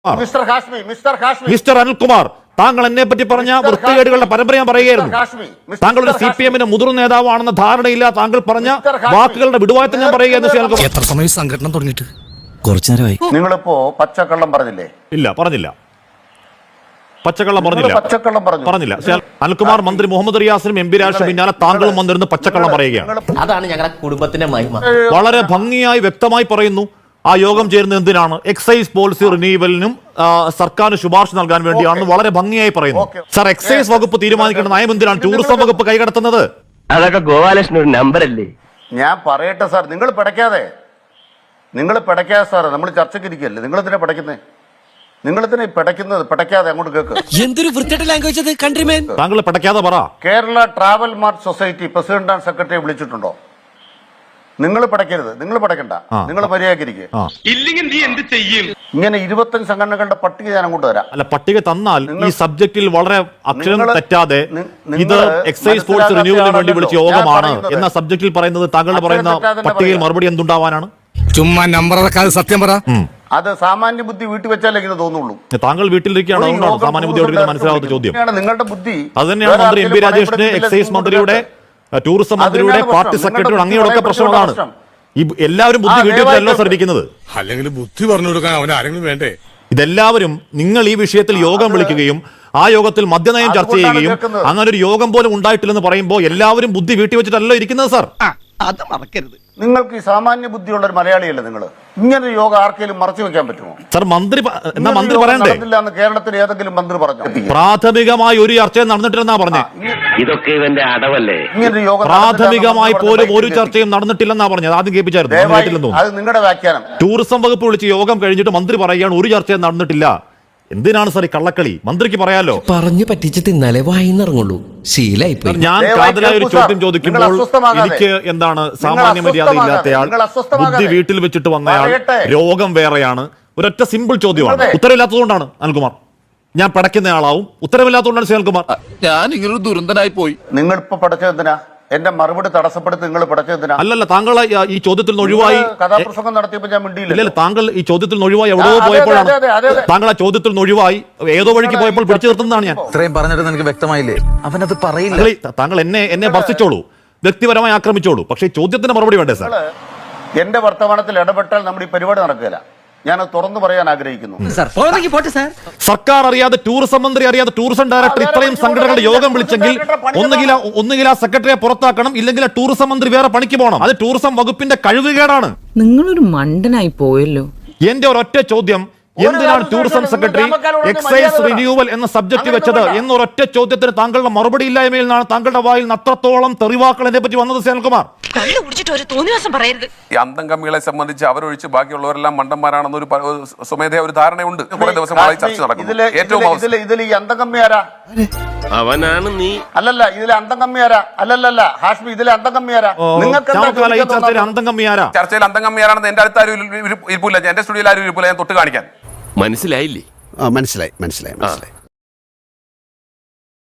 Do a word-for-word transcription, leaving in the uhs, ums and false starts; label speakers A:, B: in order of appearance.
A: Mister Hashmi mister Hashmi
B: mister Anilkumar, താങ്കൾ എന്നെ പറ്റി പറഞ്ഞ വൃത്തികേടുകളുടെ പരമ്പര ഞാൻ പറയുകയായിരുന്നു. താങ്കൾ ഒരു സി പി എമ്മിന്റെ മുതിർന്ന നേതാവാണെന്ന ധാരണയില്ല. താങ്കൾ പറഞ്ഞ വാക്കുകളുടെ വിടുവായത്തെ ഞാൻ പറയുകയായിരുന്നു.
C: എത്ര സമയം സംഘടന തുടങ്ങിയിട്ട്? കുറച്ചു നേരമായി.
A: നിങ്ങളിപ്പോ പച്ചക്കള്ളം പറഞ്ഞില്ലേ?
B: ഇല്ല, പറഞ്ഞില്ല. പച്ചക്കള്ളം പറഞ്ഞില്ല.
A: പച്ചക്കള്ളം പറഞ്ഞു
B: പറഞ്ഞില്ല. അനിൽകുമാർ മന്ത്രി മുഹമ്മദ് റിയാസിനും എം പി രാജേഷിനും പിന്നാലെ താങ്കളും വന്നിരുന്ന് പച്ചക്കള്ളം പറയുകയാണ്.
D: അതാണ് ഞങ്ങളുടെ കുടുംബത്തിന്റെ മഹിമ.
B: വളരെ ഭംഗിയായി വ്യക്തമായി പറയുന്നു. ആ യോഗം ചേരുന്നത് എന്തിനാണ്? എക്സൈസ് പോളിസി റിന്യൂവലിനും സർക്കാരിന് ശുപാർശ നൽകാൻ വേണ്ടിയാണെന്ന് വളരെ ഭംഗിയായി പറയുന്നു. സാർ, എക്സൈസ് വകുപ്പ് തീരുമാനിക്കേണ്ട നയം എന്തിനാണ് ടൂറിസം വകുപ്പ് കൈകടത്തുന്നത്?
E: അതൊക്കെ ഗോപാലകൃഷ്ണൻ ഒരു നമ്പർ അല്ലേ?
A: ഞാൻ പറയട്ടെ സാർ, നിങ്ങൾ പിടയ്ക്കാതെ നിങ്ങൾ പിടയ്ക്കാതെ സാർ, നമ്മൾ ചർച്ചയ്ക്ക് ഇരിക്കല്ലേ, നിങ്ങൾ ഇതിനെ പിടയ്ക്കുന്നേ? നിങ്ങൾ ഇതിനെ പിടയ്ക്കുന്നത് പിടയ്ക്കാതെ അങ്ങോട്ട് കേൾക്ക്.
C: എന്തൊരു വൃത്തിയുടെ ലാംഗ്വേജ് അത് കൺട്രിമേൻ.
B: താങ്കൾ പിടയ്ക്കാതെ പറ.
A: Kerala travel mart society president and സെക്രട്ടറിയെ വിളിച്ചിട്ടുണ്ടോ? നിങ്ങൾ പടയ്ക്കരുത്, നിങ്ങൾ പടയ്ക്കണ്ട, നിങ്ങൾ മര്യാദക്കിരിക്കുക. ഇങ്ങനെ ഇരുപത്തഞ്ച് സംഘടനകളുടെ പട്ടിക ഞാൻ അങ്ങോട്ട് തരാം.
B: അല്ല, പട്ടിക തന്നാൽ ഈ സബ്ജക്റ്റിൽ വളരെ അക്ഷരങ്ങൾ തെറ്റാതെ ഇത് എക്സൈസ് പോളിസി റിന്യൂവലിന് വേണ്ടി വിളിച്ച യോഗമാണ് എന്ന സബ്ജക്റ്റിൽ പറയുന്നത് താങ്കൾ പറയുന്ന പട്ടികയിൽ മറുപടി എന്തുണ്ടാവാനാണ്?
C: ചുമ്മാ നമ്പർ സത്യം പറ.
A: അത് സാമാന്യ ബുദ്ധി വീട്ടിൽ വെച്ചാലേ ഇത് തോന്നുള്ളൂ.
B: താങ്കൾ വീട്ടിലിരിക്കുകയാണോ? സാമാന്യ ബുദ്ധി മനസ്സിലാവാത്ത ചോദ്യം.
A: നിങ്ങളുടെ ബുദ്ധി
B: അത് തന്നെയാണ് മന്ത്രി എം പി രാജേഷിന്, എക്സൈസ് മന്ത്രിയുടെ, ടൂറിസം മന്ത്രിയുടെ, പാർട്ടി സെക്രട്ടറിയുടെ അങ്ങനെയൊക്കെ പ്രശ്നം അതാണ്. ഈ എല്ലാവരും ബുദ്ധി വീട്ടിൽ വെച്ചല്ലോ സർ ഇരിക്കുന്നത്.
C: അല്ലെങ്കിൽ ബുദ്ധി പറഞ്ഞു കൊടുക്കാൻ അവൻ ആരെങ്കിലും വേണ്ടേ?
B: ഇതെല്ലാവരും നിങ്ങൾ ഈ വിഷയത്തിൽ യോഗം വിളിക്കുകയും ആ യോഗത്തിൽ മദ്യനയം ചർച്ച ചെയ്യുകയും അങ്ങനെ ഒരു യോഗം പോലും ഉണ്ടായിട്ടില്ലെന്ന് പറയുമ്പോൾ എല്ലാവരും ബുദ്ധി വീട്ടിൽ വെച്ചിട്ടല്ലോ ഇരിക്കുന്നത് സാർ.
D: അത് മറക്കരുത്.
A: നിങ്ങൾക്ക് ഈ സാമാന്യ ബുദ്ധിയുള്ള ഒരു മലയാളിയല്ലേ നിങ്ങൾ? ഇങ്ങനെ യോഗം ആർക്കെങ്കിലും മറച്ചു വെക്കാൻ പറ്റുമോ?
B: സാർ, മന്ത്രി എന്നാ മന്ത്രി പറയണ്ടേ?
A: കേരളത്തിൽ ഏതെങ്കിലും മന്ത്രി പറഞ്ഞു?
B: പ്രാഥമികമായി ഒരു ചർച്ചയും നടന്നിട്ടില്ലെന്നാ പറഞ്ഞേ.
E: ഇതൊക്കെ ഇവന്റെ അടവല്ലേ?
B: പ്രാഥമികമായി പോലും ഒരു ചർച്ചയും നടന്നിട്ടില്ലെന്നാ പറഞ്ഞത്. ആദ്യം കേൾപ്പിച്ചായിരുന്നു.
A: അത് നിങ്ങളുടെ വ്യാഖ്യാനം.
B: ടൂറിസം വകുപ്പ് വിളിച്ച് യോഗം കഴിഞ്ഞിട്ട് മന്ത്രി പറയുകയാണ് ഒരു ചർച്ചയും നടന്നിട്ടില്ല. എന്തിനാണ് സാർ ഈ കള്ളക്കളി? മന്ത്രിക്ക് പറയാലോ.
F: പറഞ്ഞു പറ്റിച്ച് തിന്നാലേ വായിന്നിറങ്ങുള്ളൂ. ശീലായിപ്പോയി.
B: ഞാൻ കാതലായ ഒരു ചോദ്യം ചോദിക്കുമ്പോൾ എനിക്ക് എന്താണ് സാമാന്യ മര്യാദ ഇല്ലാത്തയാൾ, ബുദ്ധി വീട്ടിൽ വെച്ചിട്ട് വന്നയാൾ, രോഗം വേറെയാണ്. ഒരൊറ്റ സിമ്പിൾ ചോദ്യമാണ്. ഉത്തരവില്ലാത്തതുകൊണ്ടാണ് അനിൽകുമാർ. ഞാൻ പടയ്ക്കുന്നയാളാവും. ഉത്തരവില്ലാത്തതുകൊണ്ടാണ് ശ്രീകുമാർ.
G: ഞാൻ ഇങ്ങനൊരു ദുരന്തനായി പോയി.
A: നിങ്ങൾ ഇപ്പൊ പടച്ചതെന്തിനാ? എന്റെ മറുപടി തടസ്സപ്പെടുത്തി നിങ്ങൾ പടച്ചതെന്തിനാ?
B: അല്ലല്ല, താങ്കൾ ഈ ചോദ്യത്തിൽ നിന്ന് ഒഴിവായി
A: കഥാപ്രസംഗം നടത്തിയപ്പോൾ ഞാൻ മിണ്ടിയില്ല.
B: ഇല്ല, താങ്കൾ ഈ ചോദ്യത്തിൽ നിന്ന് ഒഴിവായി എവിടെയോ പോയപ്പോഴാണ്. താങ്കൾ ആ ചോദ്യത്തിൽ നിന്ന് ഒഴിവായി ഏതോ വഴിക്ക് പോയപ്പോൾ പിടിച്ചു നിർത്തുന്നതാണ് ഞാൻ.
G: ഇത്രയും പറഞ്ഞിട്ട് എനിക്ക് വ്യക്തമായില്ലേ? അവനത് പറയില്ല.
B: താങ്കൾ എന്നെ എന്നെ ഭർത്തിച്ചോളൂ, വ്യക്തിപരമായി ആക്രമിച്ചോളൂ, പക്ഷേ ചോദ്യത്തിന് മറുപടി വേണ്ടേ സാർ?
A: എന്റെ വർത്തമാനത്തിൽ ഇടപെട്ടാൽ നമ്മുടെ ഈ പരിപാടി നടക്കില്ല. ഞാൻ തുറന്നു പറയാൻ ആഗ്രഹിക്കുന്നു.
B: സർക്കാർ അറിയാതെ, ടൂറിസം മന്ത്രി അറിയാതെ ടൂറിസം ഡയറക്ടർ ഇത്രയും സംഘടനകളുടെ യോഗം വിളിച്ചെങ്കിൽ ഒന്നുകിൽ ഒന്നുകിൽ ആ സെക്രട്ടറിയെ പുറത്താക്കണം, ഇല്ലെങ്കിൽ ആ ടൂറിസം മന്ത്രി വേറെ പണിക്ക് പോകണം. അത് ടൂറിസം വകുപ്പിന്റെ കഴിവുകേടാണ്.
H: നിങ്ങളൊരു മണ്ടനായി പോയല്ലോ.
B: എന്റെ ഒരൊറ്റ ചോദ്യം, എന്തിനാണ് ടൂറിസം സെക്രട്ടറി എക്സൈസ് റിന്യൂവൽ എന്ന സബ്ജക്ട് വെച്ചത് എന്നൊരൊറ്റ ചോദ്യത്തിന് താങ്കളുടെ മറുപടി ഇല്ലായ്മയിൽ നിന്നാണ് താങ്കളുടെ വായിൽ നിന്ന് അത്രത്തോളം തെറിവാക്കൾ എന്നെ പറ്റി വന്നത്. ശ്രീകുമാർ,
I: ഈ അന്തം കമ്മികളെ സംബന്ധിച്ച് അവരൊഴിച്ച് ബാക്കിയുള്ളവരെല്ലാം മണ്ടന്മാരാണെന്നൊരു സ്വമേധയാ ഒരു ധാരണയുണ്ട്. കുറെ ദിവസങ്ങളായി ചർച്ച നടക്കുന്നു. ഏറ്റവും
A: ഇതിൽ ഈ അന്തം കമ്മി ആരാ?
E: അവനാണ് നീ.
A: അല്ലല്ല, ഇതിലെ അന്തം കമ്മി ആരാ? അല്ലല്ല ഹാഷ്മി, ഇതിലെ അന്തം കമ്മി ആരാ? നിങ്ങൾക്ക്
I: ചർച്ചയിൽ അന്തം കമ്മി ആരാണെന്ന് എന്റെ അടുത്ത് ആരും ഇരിപ്പില്ല, എന്റെ സ്റ്റുഡിയോയിൽ ആരും ഇരിപ്പില്ല. ഞാൻ തൊട്ട് കാണിക്കാൻ.
E: മനസ്സിലായില്ലേ?
G: മനസ്സിലായി മനസ്സിലായി മനസ്സിലായി